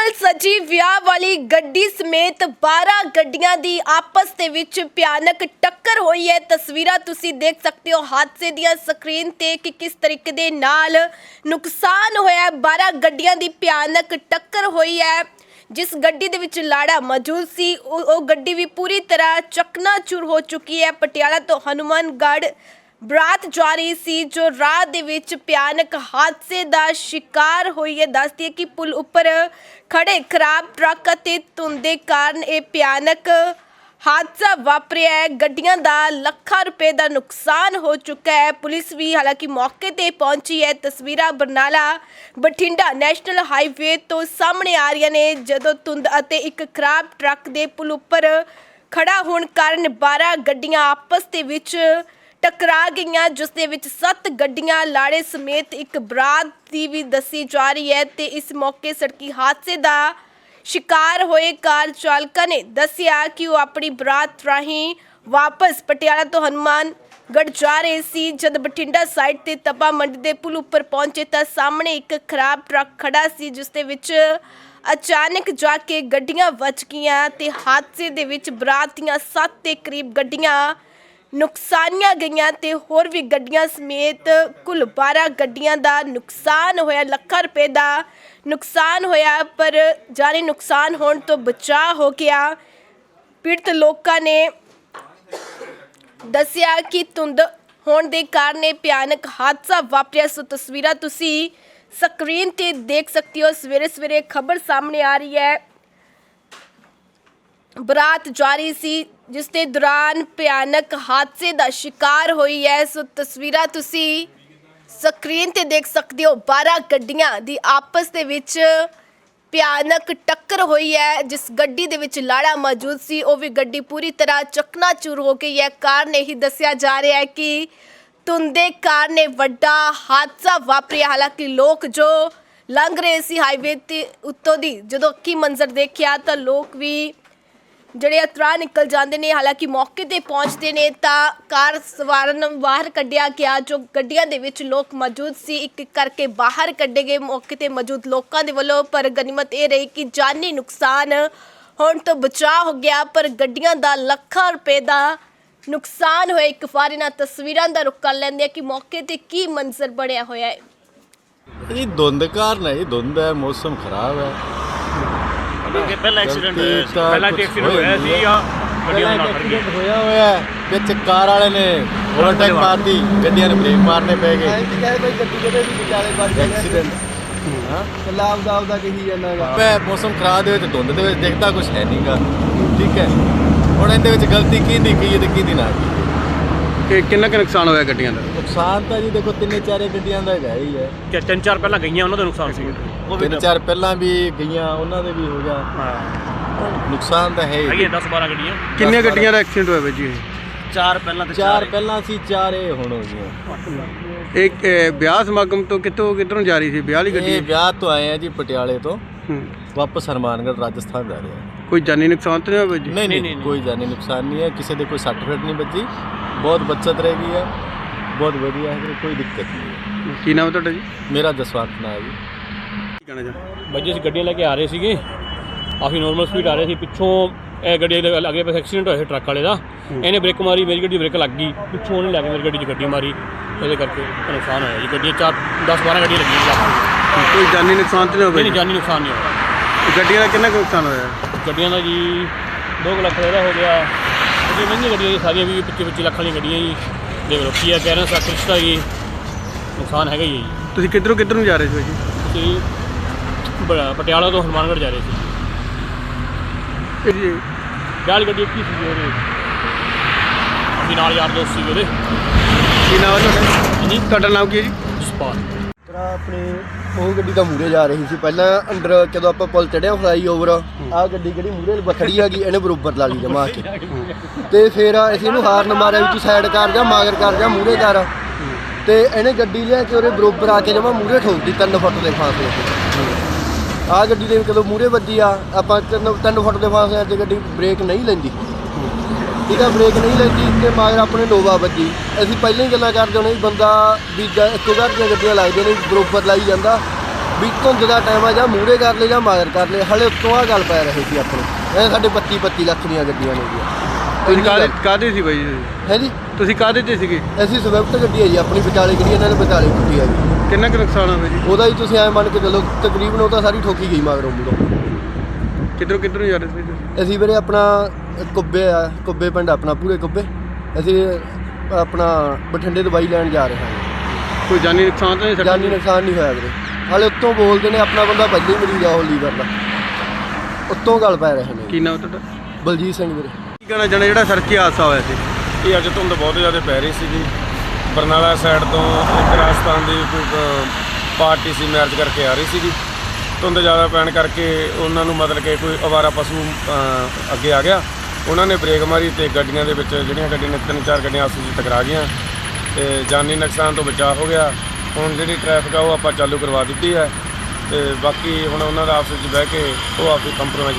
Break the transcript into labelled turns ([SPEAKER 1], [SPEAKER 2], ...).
[SPEAKER 1] ਨਾਲ ਸਜੀ ਵਿਆਹ ਵਾਲੀ ਗੱਡੀ ਸਮੇਤ 12 ਗੱਡੀਆਂ ਦੀ ਆਪਸ ਦੇ ਵਿੱਚ ਭਿਆਨਕ ਟੱਕਰ ਹੋਈ ਹੈ। ਤਸਵੀਰਾਂ ਤੁਸੀਂ ਦੇਖ ਸਕਦੇ ਹੋ ਹਾਦਸੇ ਦੀਆਂ ਸਕਰੀਨ ਤੇ ਕਿ ਕਿਸ ਤਰੀਕੇ ਦੇ ਨਾਲ ਨੁਕਸਾਨ ਹੋਇਆ। 12 ਗੱਡੀਆਂ ਦੀ ਭਿਆਨਕ ਟੱਕਰ ਹੋਈ ਹੈ। ਜਿਸ ਗੱਡੀ ਦੇ ਵਿੱਚ ਲਾੜਾ ਮੌਜੂਦ ਸੀ ਉਹ ਗੱਡੀ ਵੀ ਪੂਰੀ ਤਰ੍ਹਾਂ ਚਕਨਾਚੂਰ ਹੋ ਚੁੱਕੀ ਹੈ। ਪਟਿਆਲਾ ਤੋਂ ਹਨੂਮਾਨਗੜ੍ਹ ਬਰਾਤ ਜਾ ਰਹੀ ਸੀ ਜੋ ਰਾਹ ਦੇ ਵਿੱਚ ਭਿਆਨਕ ਹਾਦਸੇ ਦਾ ਸ਼ਿਕਾਰ ਹੋਈ ਹੈ। ਦੱਸਦੀ ਹੈ ਕਿ ਪੁਲ ਉੱਪਰ ਖੜੇ ਖਰਾਬ ਟਰੱਕ ਅਤੇ ਧੁੰਦ ਦੇ ਕਾਰਨ ਇਹ ਭਿਆਨਕ ਹਾਦਸਾ ਵਾਪਰਿਆ ਹੈ। ਗੱਡੀਆਂ ਦਾ ਲੱਖਾਂ ਰੁਪਏ ਦਾ ਨੁਕਸਾਨ ਹੋ ਚੁੱਕਾ ਹੈ। ਪੁਲਿਸ ਵੀ ਹਾਲਾਂਕਿ ਮੌਕੇ ਤੇ ਪਹੁੰਚੀ ਹੈ। ਤਸਵੀਰਾਂ ਬਰਨਾਲਾ ਬਠਿੰਡਾ ਨੈਸ਼ਨਲ ਹਾਈਵੇ ਤੋਂ ਸਾਹਮਣੇ ਆ ਰਹੀਆਂ ਨੇ ਜਦੋਂ ਧੁੰਦ ਅਤੇ ਇੱਕ ਖਰਾਬ ਟਰੱਕ ਦੇ ਪੁਲ ਉੱਪਰ ਖੜਾ ਹੋਣ ਕਾਰਨ 12 ਗੱਡੀਆਂ ਆਪਸ ਦੇ ਵਿੱਚ ਟਕਰਾ ਗਈਆਂ, ਜਿਸ ਦੇ ਵਿੱਚ 7 ਗੱਡੀਆਂ ਲਾੜੇ ਸਮੇਤ ਇੱਕ ਬਰਾਤ ਦੀ ਵੀ ਦੱਸੀ ਜਾ ਰਹੀ ਹੈ। ਤੇ ਇਸ ਮੌਕੇ ਸੜਕੀ ਹਾਦਸੇ ਦਾ ਸ਼ਿਕਾਰ ਹੋਏ ਕਾਰ ਚਾਲਕਾਂ ਨੇ ਦੱਸਿਆ ਕਿ ਉਹ ਆਪਣੀ ਬਰਾਤ ਰਾਹੀਂ ਵਾਪਸ ਪਟਿਆਲਾ ਤੋਂ ਹਨੂਮਾਨਗੜ੍ਹ ਜਾ ਰਹੇ ਸੀ। ਜਦ ਬਠਿੰਡਾ ਸਾਈਡ ਤੇ ਤਪਾ ਮੰਡੀ ਦੇ ਪੁਲ ਉੱਪਰ ਪਹੁੰਚੇ ਤਾਂ ਸਾਹਮਣੇ ਇੱਕ ਖਰਾਬ ਟਰੱਕ ਖੜਾ ਸੀ, ਜਿਸ ਦੇ ਵਿੱਚ ਅਚਾਨਕ ਜਾ ਕੇ ਗੱਡੀਆਂ ਵੱਜ ਗਈਆਂ ਤੇ ਹਾਦਸੇ ਦੇ ਵਿੱਚ ਬਰਾਤ ਦੀਆਂ 7 ਦੇ ਕਰੀਬ ਗੱਡੀਆਂ ਨੁਕਸਾਨੀਆਂ ਗਈਆਂ ਤੇ ਹੋਰ ਵੀ ਗੱਡੀਆਂ ਸਮੇਤ ਕੁੱਲ 12 ਗੱਡੀਆਂ ਦਾ ਨੁਕਸਾਨ ਹੋਇਆ। ਲੱਖਾਂ ਰੁਪਏ ਦਾ ਨੁਕਸਾਨ ਹੋਇਆ, ਪਰ ਜਾਨੀ ਨੁਕਸਾਨ ਹੋਣ ਤੋਂ ਬਚਾਅ ਹੋ ਗਿਆ। ਪੀੜਤ ਲੋਕਾਂ ਨੇ ਦੱਸਿਆ ਕਿ ਧੁੰਦ ਹੋਣ ਦੇ ਕਾਰਨ ਇਹ ਭਿਆਨਕ ਹਾਦਸਾ ਵਾਪਰਿਆ। ਸੋ ਤਸਵੀਰਾਂ ਤੁਸੀਂ ਸਕਰੀਨ ਤੇ ਦੇਖ ਸਕਦੇ ਹੋ। ਸਵੇਰੇ ਸਵੇਰੇ ਖਬਰ ਸਾਹਮਣੇ ਆ ਰਹੀ ਹੈ। ਬਰਾਤ ਜਾ ਰਹੀ ਸੀ ਜਿਸ ਦੇ ਦੌਰਾਨ ਭਿਆਨਕ ਹਾਦਸੇ ਦਾ ਸ਼ਿਕਾਰ ਹੋਈ ਹੈ। ਸੋ ਤਸਵੀਰਾਂ ਤੁਸੀਂ ਸਕਰੀਨ ਤੇ ਦੇਖ ਸਕਦੇ ਹੋ। 12 ਗੱਡੀਆਂ ਦੀ ਆਪਸ ਦੇ ਵਿੱਚ ਭਿਆਨਕ ਟੱਕਰ ਹੋਈ ਹੈ। ਜਿਸ ਗੱਡੀ ਦੇ ਵਿੱਚ ਲਾੜਾ ਮੌਜੂਦ ਸੀ ਉਹ ਵੀ ਗੱਡੀ ਪੂਰੀ ਤਰ੍ਹਾਂ ਚਕਨਾਚੂਰ ਹੋ ਗਈ ਹੈ। ਕਾਰਨ ਇਹੀ ਦੱਸਿਆ ਜਾ ਰਿਹਾ ਹੈ ਕਿ ਧੁੰਦ ਦੇ ਕਾਰਨ ਇਹ ਵੱਡਾ ਹਾਦਸਾ ਵਾਪਰਿਆ। ਹਾਲਾਂਕਿ ਲੋਕ ਜੋ ਲੰਘ ਰਹੇ ਸੀ ਹਾਈਵੇ ਤੇ ਉੱਤੋਂ ਦੀ ਜਦੋਂ ਅੱਖੀ ਮੰਜ਼ਰ ਦੇਖਿਆ ਤਾਂ ਲੋਕ ਵੀ ਜਿਹੜੇ ਅਤਰਾ ਨਿਕਲ ਜਾਂਦੇ ਨੇ। ਹਾਲਾਂਕਿ ਮੌਕੇ ਤੇ ਪਹੁੰਚਦੇ ਨੇ ਤਾਂ ਕਾਰ ਸਵਾਰਾਂ ਨੂੰ ਬਾਹਰ ਕੱਢਿਆ ਗਿਆ। ਜੋ ਗੱਡੀਆਂ ਦੇ ਵਿੱਚ ਲੋਕ ਮੌਜੂਦ ਸੀ ਇੱਕ ਇੱਕ ਕਰਕੇ ਬਾਹਰ ਕੱਢੇ ਗਏ ਮੌਕੇ ਤੇ ਮੌਜੂਦ ਲੋਕਾਂ ਦੇ ਵੱਲੋਂ। ਪਰ ਗਨੀਮਤ ਇਹ ਰਹੀ ਕਿ ਜਾਨੀ ਨੁਕਸਾਨ ਹੋਣ ਤੋਂ ਬਚਾਅ ਹੋ ਗਿਆ, ਪਰ ਗੱਡੀਆਂ ਦਾ ਲੱਖਾਂ ਰੁਪਏ ਦਾ ਨੁਕਸਾਨ ਹੋਇਆ। ਇੱਕ ਵਾਰ ਇਹਨਾਂ ਤਸਵੀਰਾਂ ਦਾ ਰੁੱਖ ਕਰ ਲੈਂਦੇ ਆ ਕਿ ਮੌਕੇ ਤੇ ਕੀ ਮੰਜ਼ਰ ਬਣਿਆ ਹੋਇਆ ਹੈ।
[SPEAKER 2] ਇਹ ਧੁੰਦ ਕਾਰਨ ਹੈ, ਧੁੰਦ ਹੈ, ਮੌਸਮ ਖਰਾਬ ਹੈ।
[SPEAKER 3] ਕਿ ਪਹਿਲਾ ਐਕਸੀਡੈਂਟ ਹੋਇਆ ਸੀ ਜਾਂ ਗੱਡੀਆਂ ਨਾਲ
[SPEAKER 2] ਹੋਇਆ ਹੈ ਵਿੱਚ ਕਾਰ ਵਾਲੇ ਨੇ ਓਵਰਟੇਕ ਮਾਰਤੀ, ਗੱਡੀਆਂ ਨੂੰ ਬ੍ਰੇਕ ਮਾਰਨੇ ਪੈ ਗਏ।
[SPEAKER 4] ਕੋਈ ਗੱਡੀ ਕਿਤੇ ਵੀ ਵਿਚਾਲੇ ਵੱਜ ਗਿਆ
[SPEAKER 2] ਐਕਸੀਡੈਂਟ
[SPEAKER 4] ਲਾਭ ਦਾ ਕਹੀ ਜਾਂਦਾਗਾ।
[SPEAKER 2] ਮੈਂ ਮੌਸਮ ਖਰਾਬ ਦੇ ਵਿੱਚ ਧੁੰਦ ਦੇ ਵਿੱਚ ਦਿਖਦਾ ਕੁਝ ਹੈ ਨਹੀਂਗਾ। ਠੀਕ ਹੈ, ਹੁਣ ਇਹਦੇ ਵਿੱਚ ਗਲਤੀ ਕਿਹਦੀ ਕੀ ਤੇ ਕਿਹਦੀ ਨਾ
[SPEAKER 5] ਕਿ ਕਿੰਨਾ ਕੁ ਨੁਕਸਾਨ ਹੋਇਆ ਗੱਡੀਆਂ ਦਾ?
[SPEAKER 2] ਨੁਕਸਾਨ ਤਾਂ ਜੀ ਦੇਖੋ 3-4 ਗੱਡੀਆਂ ਦਾ ਹੈਗਾ ਹੀ ਹੈ।
[SPEAKER 3] ਕਿ 3-4 ਪਹਿਲਾਂ ਗਈਆਂ ਉਹਨਾਂ ਦਾ ਨੁਕਸਾਨ ਸੀ।
[SPEAKER 2] ਉਹ 3-4 ਪਹਿਲਾਂ ਵੀ ਗਈਆਂ, ਉਹਨਾਂ ਦੇ ਵੀ ਹੋ ਗਿਆ ਨੁਕਸਾਨ ਤਾਂ ਹੈ ਹੀ।
[SPEAKER 3] 10-12 ਗੱਡੀਆਂ।
[SPEAKER 5] ਕਿੰਨੀਆਂ ਗੱਡੀਆਂ ਦਾ ਐਕਸੀਡੈਂਟ ਹੋਇਆ ਬਾਈ ਜੀ?
[SPEAKER 3] 4 ਪਹਿਲਾਂ ਤੇ
[SPEAKER 2] 4 ਪਹਿਲਾਂ ਸੀ, 4 ਇਹ ਹੁਣ ਹੋ ਗਈਆਂ।
[SPEAKER 5] ਇੱਕ ਵਿਆਹ ਸਮਾਗਮ ਤੋਂ ਕਿੱਧਰੋਂ ਜਾ ਰਹੀ ਸੀ ਵਿਆਹ ਵਾਲੀ ਗੱਡੀ?
[SPEAKER 2] ਇਹ ਵਿਆਹ ਤੋਂ ਆਏ ਆ ਜੀ ਪਟਿਆਲੇ ਤੋਂ, ਵਾਪਸ ਹਨੂਮਾਨਗੜ੍ਹ ਰਾਜਸਥਾਨ ਜਾ ਰਹੇ ਆ।
[SPEAKER 5] ਕੋਈ ਜਾਨੀ ਨੁਕਸਾਨ ਤਾਂ ਨਹੀਂ ਹੋਇਆ ਬਾਈ ਜੀ?
[SPEAKER 2] ਨਹੀਂ, ਕੋਈ ਜਾਨੀ ਨੁਕਸਾਨ ਨਹੀਂ ਹੈ। ਕਿਸੇ ਦੇ ਕੋਈ ਸੱਟ ਫੇਟ ਨਹੀਂ ਵੱਜੀ, ਬਹੁਤ ਬੱਚਤ ਰਹਿ ਗਈ ਹੈ, ਬਹੁਤ ਵਧੀਆ ਹੈ, ਕੋਈ ਦਿੱਕਤ ਨਹੀਂ ਹੈ।
[SPEAKER 5] ਕੀ ਨਾਮ ਹੈ ਤੁਹਾਡਾ ਜੀ?
[SPEAKER 2] ਮੇਰਾ ਜਸਵੰਤ ਨਾਮ ਹੈ ਜੀ।
[SPEAKER 5] ਕੀ ਕਹਿਣਾ ਚਾਹੁੰਦੇ?
[SPEAKER 3] ਬਾਈ ਜੀ ਅਸੀਂ ਗੱਡੀਆਂ ਲੈ ਕੇ ਆ ਰਹੇ ਸੀਗੇ, ਕਾਫੀ ਨੋਰਮਲ ਸਪੀਡ ਆ ਰਹੇ ਸੀ। ਪਿੱਛੋਂ ਇਹ ਗੱਡੀ ਦੇ ਅੱਗੇ ਪਾਸੇ ਐਕਸੀਡੈਂਟ ਹੋਇਆ ਸੀ ਟਰੱਕ ਵਾਲੇ ਦਾ। ਇਹਨੇ ਬ੍ਰੇਕ ਮਾਰੀ, ਮੇਰੀ ਗੱਡੀ ਬ੍ਰੇਕ ਲੱਗ ਗਈ, ਪਿੱਛੋਂ ਉਹਨੇ ਲੈ ਕੇ ਮੇਰੀ ਗੱਡੀ 'ਚ ਗੱਡੀ ਮਾਰੀ, ਇਹਦੇ ਕਰਕੇ ਨੁਕਸਾਨ ਹੋਇਆ ਜੀ। ਗੱਡੀਆਂ 10-12 ਗੱਡੀਆਂ ਲੱਗੀਆਂ।
[SPEAKER 5] ਕੋਈ ਜਾਨੀ ਨੁਕਸਾਨ ਤਾਂ ਨਹੀਂ ਹੋਇਆ?
[SPEAKER 3] ਨਹੀਂ, ਜਾਨੀ ਨੁਕਸਾਨ ਨਹੀਂ ਹੋਇਆ।
[SPEAKER 5] ਗੱਡੀਆਂ ਦਾ ਕਿੰਨਾ ਕੁ ਨੁਕਸਾਨ ਹੋਇਆ?
[SPEAKER 3] ਗੱਡੀਆਂ ਦਾ ਜੀ 2 ਲੱਖ ਦਾ ਹੋ ਗਿਆ। ਗੱਡੀਆਂ ਮਹਿੰਗੀਆਂ ਗੱਡੀਆਂ ਜੀ, ਸਾਰੀਆਂ ਵੀ 25-25 ਲੱਖ ਵਾਲੀਆਂ ਗੱਡੀਆਂ ਜੀ। ਦੇਖ ਲਓ ਕੀ ਆ, ਕਹਿ ਰਹੇ ਸੱਤ ਰਿਸ਼ਤਾ ਜੀ ਨੁਕਸਾਨ ਹੈਗਾ ਹੀ ਹੈ ਜੀ।
[SPEAKER 5] ਤੁਸੀਂ ਕਿੱਧਰੋਂ ਜਾ ਰਹੇ ਸੀ ਜੀ?
[SPEAKER 3] ਅਸੀਂ ਪਟਿਆਲਾ ਤੋਂ ਹਨੂਮਾਨਗੜ੍ਹ ਜਾ ਰਹੇ ਸੀ।
[SPEAKER 5] ਜੀ
[SPEAKER 3] ਵਿਆਹ ਵਾਲੀ ਗੱਡੀ ਕੀ ਸੀ ਉਹਦੇ, ਅਸੀਂ ਨਾਲ ਯਾਰ ਦੋਸਤ ਸੀ ਉਹਦੇ।
[SPEAKER 5] ਕੀ ਨਾਮ ਹੈ ਤੁਹਾਡਾ
[SPEAKER 3] ਜੀ?
[SPEAKER 5] ਤੁਹਾਡਾ ਨਾਮ ਕੀ ਹੈ ਜੀ?
[SPEAKER 3] ਜਸਪਾਲ।
[SPEAKER 4] ਤਰਾ ਆਪਣੇ ਉਹ ਗੱਡੀ ਤਾਂ ਮੂਰੇ ਜਾ ਰਹੀ ਸੀ ਪਹਿਲਾਂ ਅੰਡਰ, ਜਦੋਂ ਆਪਾਂ ਪੁਲ ਚੜਿਆ ਫਲਾਈ ਓਵਰ ਆਹ ਗੱਡੀ ਜਿਹੜੀ ਮੂਰੇ ਖੜੀ ਹੈਗੀ ਇਹਨੇ ਬਰੋਬਰ ਲਾ ਲਈ ਜਮਾ ਕੇ। ਤੇ ਫਿਰ ਅਸੀਂ ਇਹਨੂੰ ਹਾਰਨ ਮਾਰਿਆ ਵੀ ਤੂੰ ਸਾਈਡ ਕਰ ਜਾ, ਮਗਰ ਕਰ ਜਾ, ਮੂਰੇ ਕਰ। ਤੇ ਇਹਨੇ ਗੱਡੀ ਲਿਆ ਕੇ ਉਹਦੇ ਬਰੋਬਰ ਆ ਕੇ ਜਮਾ ਮੂਰੇ ਠੋਕਦੀ 3 ਫੁੱਟ ਦੇ ਫਾਸਲੇ ਤੇ। ਆਹ ਗੱਡੀ ਦੇ ਕਦੋਂ ਮੂਰੇ ਵੱਜੀ ਆ, ਆਪਾਂ 3 ਫੁੱਟ ਦੇ ਫਾਸਲੇ ਤੇ ਗੱਡੀ ਬ੍ਰੇਕ ਨਹੀਂ ਲੈਂਦੀ। ਠੀਕ ਆ, ਬ੍ਰੇਕ ਨਹੀਂ ਲੈਂਦੀ ਤੇ ਮਗਰ ਆਪਣੇ ਨੋਵਾ ਵੱਜੀ। ਅਸੀਂ ਪਹਿਲਾਂ ਹੀ ਗੱਲਾਂ ਕਰਦੇ ਹੋਣੇ ਵੀ ਬੰਦਾ ਵੀ ਇੱਕੋ ਘਰ ਦੀਆਂ ਗੱਡੀਆਂ ਲੱਗਦੀਆਂ ਨੇ, ਬਰੋਬਰ ਲਾਈ ਜਾਂਦਾ ਵੀ ਧੁੰਦ ਦਾ ਟਾਈਮ ਆ, ਜਾਂ ਮੂਹਰੇ ਕਰ ਲਏ ਜਾਂ ਮਗਰ ਕਰ ਲਏ। ਹਲੇ ਉੱਤੋਂ ਆ ਗੱਲ ਪੈ ਰਹੇ ਸੀ ਆਪਣੇ। ਇਹ ਸਾਡੇ 25 ਲੱਖ ਦੀਆਂ ਗੱਡੀਆਂ ਨੇ ਜੀ।
[SPEAKER 5] ਤੁਸੀਂ ਕਾਹਦੇ ਸੀ ਬਾਈ ਜੀ?
[SPEAKER 4] ਹੈ ਜੀ,
[SPEAKER 5] ਤੁਸੀਂ ਕਾਹਦੇ ਤੇ ਸੀਗੇ?
[SPEAKER 4] ਅਸੀਂ ਸਵਿਫਟ ਗੱਡੀ ਹੈ ਜੀ ਆਪਣੀ, ਵਿਚਾਲੇ ਗੱਡੀ ਇਹਨਾਂ ਨੇ ਵਿਚਾਲੇ ਕੁੱਟੀ ਆ ਜੀ।
[SPEAKER 5] ਕਿੰਨਾ ਕੁ ਨੁਕਸਾਨ ਹੋਇਆ ਜੀ?
[SPEAKER 4] ਉਹਦਾ ਹੀ ਤੁਸੀਂ ਐਂ ਮੰਨ ਕੇ ਚੱਲੋ ਤਕਰੀਬਨ ਉਹ ਤਾਂ ਸਾਰੀ ਠੋਕੀ ਗਈ ਮਗਰੋਂ ਮੂਹਰੋਂ।
[SPEAKER 5] ਕਿੱਧਰੋਂ ਨੂੰ ਜਾ ਰਹੇ ਸੀ ਤੁਸੀਂ?
[SPEAKER 4] ਅਸੀਂ ਵੀਰੇ ਆਪਣਾ ਕੁੱਬੇ ਪਿੰਡ ਆਪਣਾ, ਪੂਰੇ ਕੁੱਬੇ। ਅਸੀਂ ਆਪਣਾ ਬਠਿੰਡੇ ਦਵਾਈ ਲੈਣ ਜਾ ਰਹੇ ਹਾਂ।
[SPEAKER 5] ਕੋਈ ਜਾਨੀ ਨੁਕਸਾਨ ਤਾਂ ਨਹੀਂ?
[SPEAKER 4] ਜਾਨੀ ਨੁਕਸਾਨ ਨਹੀਂ ਹੋਇਆ ਵੀਰੇ। ਹਾਲੇ ਉੱਤੋਂ ਬੋਲਦੇ ਨੇ ਆਪਣਾ ਬੰਦਾ ਪਹਿਲੇ ਹੀ ਮਰੀਜ਼ ਆ ਉਹ ਲੀਵਰ ਦਾ, ਉੱਤੋਂ ਗੱਲ ਪੈ ਰਹੇ ਨੇ।
[SPEAKER 5] ਕੀ ਨਾਮ ਤੁਹਾਡਾ?
[SPEAKER 4] ਬਲਜੀਤ ਸਿੰਘ ਵੀਰੇ।
[SPEAKER 5] ਕੀ ਕਹਿਣਾ ਚਾਹੁੰਦੇ ਜਿਹੜਾ ਸੜਕੀ ਹਾਦਸਾ ਹੋਇਆ ਸੀ?
[SPEAKER 6] ਇਹ ਅੱਜ ਧੁੰਦ ਬਹੁਤ ਜ਼ਿਆਦਾ ਪੈ ਰਹੀ ਸੀਗੀ। ਬਰਨਾਲਾ ਸਾਈਡ ਤੋਂ ਇੱਕ ਰਾਜਸਥਾਨ ਦੀ ਕੋਈ ਪਾਰਟੀ ਸੀ, ਮੈਰਿਜ ਕਰਕੇ ਆ ਰਹੀ ਸੀਗੀ। ਧੁੰਦ ਜ਼ਿਆਦਾ ਪੈਣ ਕਰਕੇ ਉਹਨਾਂ ਨੂੰ ਮਤਲਬ ਕਿ ਕੋਈ ਅਵਾਰਾ ਪਸ਼ੂ ਅੱਗੇ ਆ ਗਿਆ। ਉਹਨਾਂ ਨੇ ਬ੍ਰੇਕ ਮਾਰੀ ਤੇ ਗੱਡੀਆਂ ਦੇ ਵਿੱਚ ਜਿਹੜੀਆਂ ਗੱਡੀਆਂ ਨੇ 3-4 ਗੱਡੀਆਂ ਆਪਸ ਵਿੱਚ ਟਕਰਾ ਗਈਆਂ ਤੇ ਜਾਨੀ ਨੁਕਸਾਨ ਤੋਂ ਬਚਾਅ ਹੋ ਗਿਆ। ਹੁਣ ਜਿਹੜੀ ਟ੍ਰੈਫਿਕ ਆ ਉਹ ਆਪਾਂ ਚਾਲੂ ਕਰਵਾ ਦਿੱਤੀ ਹੈ ਤੇ ਬਾਕੀ ਹੁਣ ਉਹਨਾਂ ਦਾ ਆਪਸ ਵਿੱਚ ਬਹਿ ਕੇ ਉਹ ਆਪਸ ਕੰਪਰੋਮਾਈਜ਼